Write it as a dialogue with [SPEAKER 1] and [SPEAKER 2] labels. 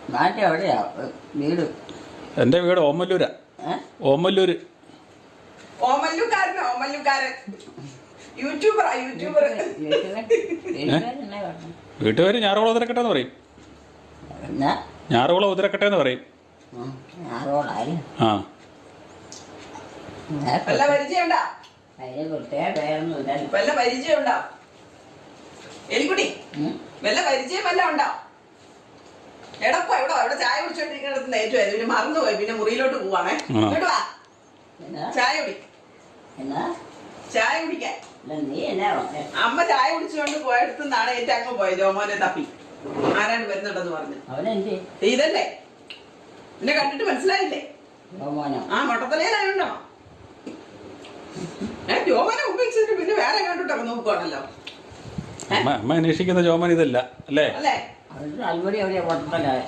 [SPEAKER 1] നാട്ടിൽ എവിടെയാ വീട്?
[SPEAKER 2] എൻ്റെ വീട് ഓമല്ലൂരാ. ഓമല്ലൂര്.
[SPEAKER 3] ഓമല്ലൂക്കാരൻ ഓമല്ലൂക്കാരൻ യൂട്യൂബറാ യൂട്യൂബർ.
[SPEAKER 2] വീട്ടുപേര് ഞാറുകുളം ഉതിരക്കട്ടെ എന്ന് പറയും. ഞാറുകുളം ഉതിരക്കട്ടെ എന്ന് പറയും. ആ
[SPEAKER 3] വല്ല പരിചയമുണ്ടാ? വല്ല പരിചയമുണ്ടോ എലിക്കുട്ടി? വല്ല പരിചയം വല്ല ഉണ്ടോ? എടപ്പോ എവിടെ ചായ കുടിച്ചോണ്ടിരിക്കണത് ഏറ്റവും പിന്നെ മറന്നുപോയി. പിന്നെ മുറിയിലോട്ട് പോവാണേ. ഇങ്ങോട്ട് വാ, ചായ കുടി. ചായ കുടിക്കാൻ അമ്മ ചായ കുടിച്ചുകൊണ്ട് പോയടുത്തുനിന്നാണ് ഏറ്റവും അങ്ങ് പോയത്. ജോമോനെ തപ്പി ആരാണ്ട് വരുന്നുണ്ടെന്ന് പറഞ്ഞു. ഇതല്ലേ എന്നെ കണ്ടിട്ട് മനസ്സിലായില്ലേ? ആ മൊട്ടത്തലയിലായുണ്ടോ? ജോമോനെ ഉപയോഗിച്ചിട്ട് പിന്നെ വേറെ കണ്ടിട്ടൊക്കെ നോക്കുവാണല്ലോ.
[SPEAKER 2] അമ്മ അന്വേഷിക്കുന്ന ജോമൻ ഇതല്ല അല്ലേ?
[SPEAKER 3] അല്ലേ?
[SPEAKER 1] അൽമടി എവിടെയാ?